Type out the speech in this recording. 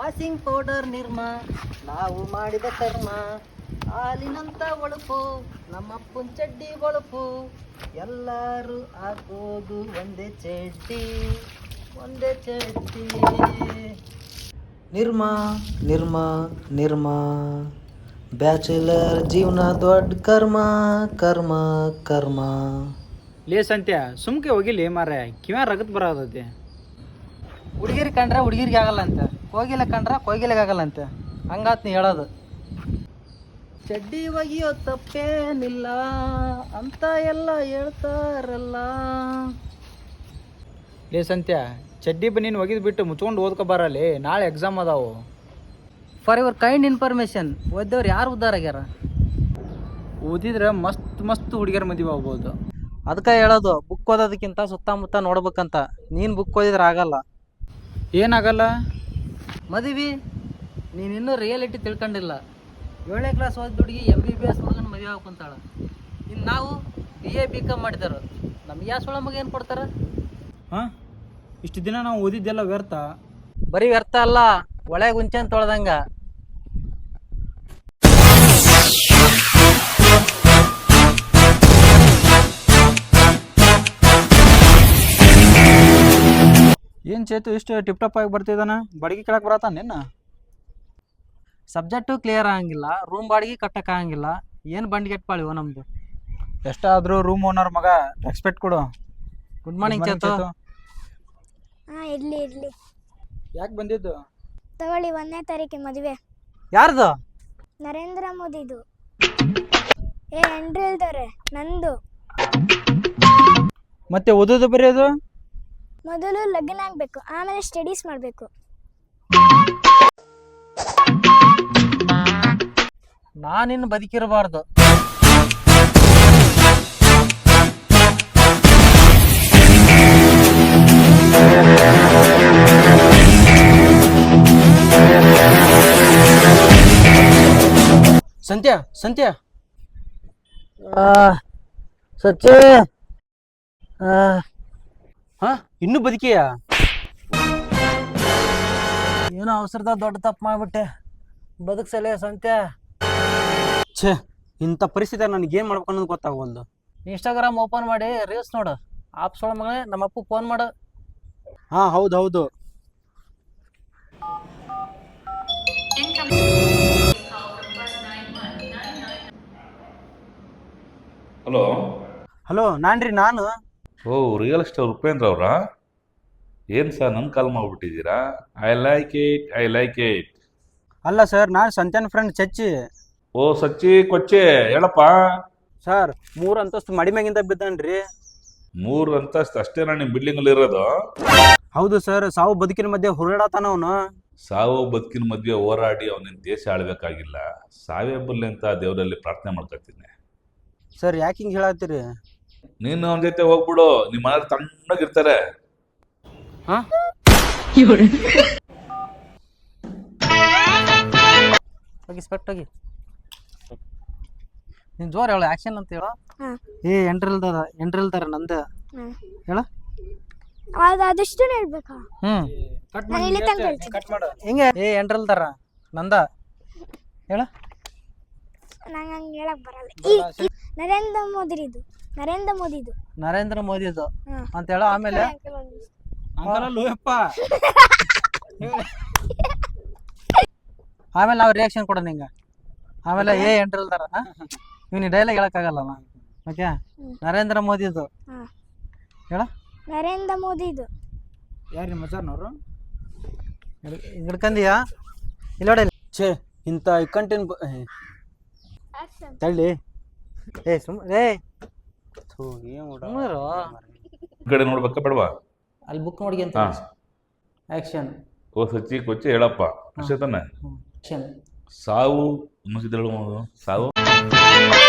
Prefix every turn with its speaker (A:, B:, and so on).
A: Washing powder ನಿರ್ಮ ನಾವು ಮಾಡಿದ ಕರ್ಮ, ಹಾಲಿನಂತ ಒಳಪು ನಮ್ಮಪ್ಪನ ಚಡ್ಡಿ ಒಳಪು, ಎಲ್ಲರೂ ಹಾಕೋದು ಒಂದೇ ಚಡ್ಡಿ ಒಂದೇ ಚಡ್ಡಿ. ನಿರ್ಮ ನಿರ್ಮ ನಿರ್ಮ ಬ್ಯಾಚುಲರ್ ಜೀವನ ದೊಡ್ಡ ಕರ್ಮ ಕರ್ಮ ಕರ್ಮ.
B: ಲೇ ಸಂತ್ಯ ಸುಮ್ಕೆ ಹೋಗಿಲಿ ಮಾರ್ರೆ, ಕಿವ್ಯಾ ರಗತ್ ಬರೋದೈತಿ.
A: ಹುಡುಗಿರ್ ಕಂಡ್ರೆ ಹುಡುಗಿರಿಗೆ ಆಗಲ್ಲ ಅಂತ, ಕೋಗಿಲೆ ಕಂಡ್ರೆ ಕೋಗಿಲೆಗೆ ಆಗಲ್ಲ ಅಂತ, ಹಂಗಾತ್ ನೀ ಹೇಳೋದು. ಚಡ್ಡಿ ಒಗಿಯೋ ತಪ್ಪೇನಿಲ್ಲ ಅಂತ ಎಲ್ಲ ಹೇಳ್ತಾರಲ್ಲ.
B: ಲೇ ಸಂತ್ಯ ಚಡ್ಡಿ ಬನ್ನೀನು ಒಗಿದ್ ಬಿಟ್ಟು ಮುಚ್ಕೊಂಡು ಓದ್ಕೊ ಬರಲಿ, ನಾಳೆ ಎಕ್ಸಾಮ್ ಅದಾವು.
A: ಫಾರ್ ಯುವರ್ ಕೈಂಡ್ ಇನ್ಫಾರ್ಮೇಶನ್, ಓದ್ದವ್ರು ಯಾರು ಉದ್ಧಾರ ಆಗ್ಯಾರ?
B: ಓದಿದ್ರೆ ಮಸ್ತ್ ಮಸ್ತ್ ಹುಡುಗಿಯರ ಮದುವೆ ಆಗ್ಬೋದು.
A: ಅದಕ್ಕೆ ಹೇಳೋದು, ಬುಕ್ ಓದೋದಕ್ಕಿಂತ ಸುತ್ತಮುತ್ತ ನೋಡ್ಬೇಕಂತ. ನೀನು ಬುಕ್ ಓದಿದ್ರೆ ಆಗಲ್ಲ.
B: ಏನಾಗಲ್ಲ?
A: ಮದುವೆ ನೀನಿನ್ನೂ ರಿಯಾಲಿಟಿ ತಿಳ್ಕೊಂಡಿಲ್ಲ. 7ನೇ ಕ್ಲಾಸ್ ಓದಿದ ಹುಡುಗಿ MBBS ಹುಡುಗನ ಮದುವೆ ಹಾಕೊಂತಾಳ. ಇನ್ನು ನಾವು BA BCom ಮಾಡಿದಾರ, ನಮ್ಗೆ ಯಾವ ಸೊಳ ಮಗ ಏನು ಕೊಡ್ತಾರ?
B: ಹಾಂ, ಇಷ್ಟು ದಿನ ನಾವು ಓದಿದ್ದೆಲ್ಲ ವ್ಯರ್ಥ.
A: ಬರೀ ವ್ಯರ್ಥ ಅಲ್ಲ, ಒಳ್ಳೆ ಗುಂಚನ್ ತೊಳ್ದಂಗ.
B: ಏನು ಚೇತು ಇಷ್ಟು ಟಿಪ್ ಟಾಪ್ ಆಗಿ ಬರ್ತಿದ್ದಾನ? ಬಾಡಿಗೆ ಕೇಳಕ್ಕೆ ಬರತ್ತ ನಿನ್ನ?
A: ಸಬ್ಜೆಕ್ಟು ಕ್ಲಿಯರ್ ಆಗಂಗಿಲ್ಲ, ರೂಮ್ ಬಾಡಿಗೆ ಕಟ್ಟಕ್ಕಾಗಂಗಿಲ್ಲ. ಏನು ಬಂಡಿಗೆಟ್ಪಾಳಿವ ನಮ್ಮದು.
B: ಎಷ್ಟಾದರೂ ರೂಮ್ ಓನರ್ ಮಗ, ರೆಸ್ಪೆಕ್ಟ್ ಕೊಡು.
A: Good morning Chethu.
C: ಹಾಂ, ಇರಲಿ ಇರಲಿ.
B: ಯಾಕೆ ಬಂದಿದ್ದು?
C: ತಗೊಳ್ಳಿ, 1ನೇ ತಾರೀಕಿಗೆ ಮದುವೆ.
A: ಯಾರ್ದು?
C: ನರೇಂದ್ರ ಮೋದಿದು. ಎಂಡ್ರಿಲ್ದವ್ರೆ, ನಂದು.
B: ಮತ್ತೆ ಓದೋದು ಬರೆಯೋದು?
C: ಮೊದಲು ಲಗ್ನ ಆಗಬೇಕು, ಆಮೇಲೆ ಸ್ಟಡೀಸ್ ಮಾಡಬೇಕು.
A: ನಾನಿನ್ನು ಬದುಕಿರಬಾರ್ದು.
B: ಸಂತ್ಯ ಸಂತ್ಯ
A: ಸಚ್ಚೆ
B: ಹಾ, ಇನ್ನೂ ಬದುಕಿಯಾ?
A: ಏನೋ ಅವಸರದಾಗ ದೊಡ್ಡ ತಪ್ಪು ಮಾಡಿಬಿಟ್ಟೆ, ಬದುಕ್ಸಲೇ ಸಂತ್ಯ.
B: ಛೇ, ಇಂಥ ಪರಿಸ್ಥಿತಿ ನನಗೇನು ಮಾಡ್ಬೇಕು ಅನ್ನೋದು ಗೊತ್ತಾಗವಲ್ದು.
A: ಇನ್ಸ್ಟಾಗ್ರಾಮ್ ಓಪನ್ ಮಾಡಿ ರೀಲ್ಸ್ ನೋಡು. ಆಪ್ಸ್ ಒಳ ಮಗನೇ ನಮ್ಮ ಅಪ್ಪು ಫೋನ್ ಮಾಡು.
B: ಹಾಂ, ಹೌದು ಹೌದು.
D: ಹಲೋ
B: ಹಲೋ, ನಾನು
D: ಓ ರಿಯಲ್ ಎಸ್ಟೇಟ್ ಉಪೇಂದ್ರ ಅವರಾ? ಏನು ಸರ್ ನನ್ನ ಕಾಲ್ ಮಾಡಿಬಿಟ್ಟಿದ್ದೀರಾ? I like it.
B: ಅಲ್ಲ ಸರ್, ನಾನು ಸಂತ್ಯಾನ ಫ್ರೆಂಡ್ ಚಚ್ಚಿ.
D: ಓ ಸಚ್ಚಿ ಕೊಚ್ಚಿ, ಹೇಳಪ್ಪ.
B: ಸರ್, 3 ಅಂತಸ್ತು ಮಡಿಮ್ಯಾಗಿಂದ ಬಿದ್ದಾನ್ರಿ.
D: 3 ಅಂತಸ್ತು ಅಷ್ಟೇನಾ ನಿಮ್ಮ ಬಿಲ್ಡಿಂಗಲ್ಲಿ ಇರೋದು?
B: ಹೌದು ಸರ್, ಸಾವು ಬದುಕಿನ ಮಧ್ಯೆ ಹುರುಳಾತಾನ ಅವನು.
D: ಸಾವು ಬದುಕಿನ ಮದುವೆ ಹೋರಾಡಿ ಅವನಿನ ದೇಶ ಆಳ್ಬೇಕಾಗಿಲ್ಲ, ಸಾವೇ ಬರಲಿ ಅಂತ ದೇವರಲ್ಲಿ ಪ್ರಾರ್ಥನೆ ಮಾಡ್ಕೊತೀನಿ.
B: ಸರ್, ಯಾಕೆ ಹಿಂಗೆ ಹೇಳತ್ತೀರಿ?
D: ನೀನು ಅವನ ಜೊತೆ ಹೋಗ್ಬಿಡು, ನಿಮ್ಮ ಮನೇಲಿ ತಣ್ಣಗಿರ್ತಾರೆ.
B: ಹಾಂ,
A: ಹೋಗಿ ಸ್ಪೆಕ್ಟ್ ಹೋಗಿ. ನೀನು ಜೋರು ಹೇಳು, ಆ್ಯಕ್ಷನ್ ಅಂತ ಹೇಳು.
C: ಹಾಂ.
A: ಎಂಟ್ರಿಲ್ದಾರ ನಂದು ಹೇಳ.
C: ಅದಷ್ಟು ಹೇಳ್ಬೇಕಾ?
B: ಕಟ್
C: ನಾನು ಇಲ್ಲಿ ತನಕ ಹೇಳ್ತೀನಿ.
B: ಕಟ್ ಮಾಡು.
A: ಹಿಂಗೆ ಎಂಟ್ರಿಲ್ದಾರ ನಂದ ಹೇಳ.
C: ನಂಗೆ ಹಂಗೆ ಹೇಳಕ್ ಬರಲ್ಲ. ಈ ನರೇಂದ್ರ ಮೋದಿದು
A: ನರೇಂದ್ರ ಮೋದಿದು
C: ಹಾಂ
A: ಅಂತ ಹೇಳ. ಆಮೇಲೆ
B: ಅಂಕಲಲ್ಲೂಯಪ್ಪ.
A: ಆಮೇಲೆ ನಾವು ರಿಯಾಕ್ಷನ್ ಕೊಡೋಣ ಹಿಂಗ. ಆಮೇಲೆ ಎಂಟ್ರಿಲ್ದಾರ ಇವ್ನಿ ಡೈಲಾಗ್ ಹೇಳಕ್ಕಾಗಲ್ಲ. ಓಕೆ, ನರೇಂದ್ರ ಮೋದಿದು
C: ಹಾಂ
A: ಹೇಳ.
C: ನರೇಂದ್ರ ಮೋದಿದು.
B: ಯಾರು ನಿಮ್ಮ ಮಜಾರ್ನವರು?
A: ಹಿಡ್ಕಂದಿಯಾ? ಇಲ್ಲ ನೋಡಿ.
B: ಛೇ, ಇಂಥ ಕಂಟೆಂಟ್ ತಳ್ಳಿ.
A: ಸುಮ್ಮನೆ
D: ಈ ಕಡೆ ನೋಡ್ಬೇಕಾ ಬೇಡವಾ?
A: ಅಲ್ಲಿ ಬುಕ್ ನೋಡಿ ಅಂತ.
D: ಹಾಂ,
A: ಆಕ್ಷನ್.
D: ಓ ಸಚ್ಚಿ ಕೊಚ್ಚಿ ಹೇಳಪ್ಪ, ಅಷ್ಟೇ ತಾನೆ?
A: ಆಕ್ಷನ್.
D: ಸಾವು ಮುಗಿದಳು, ಸಾವು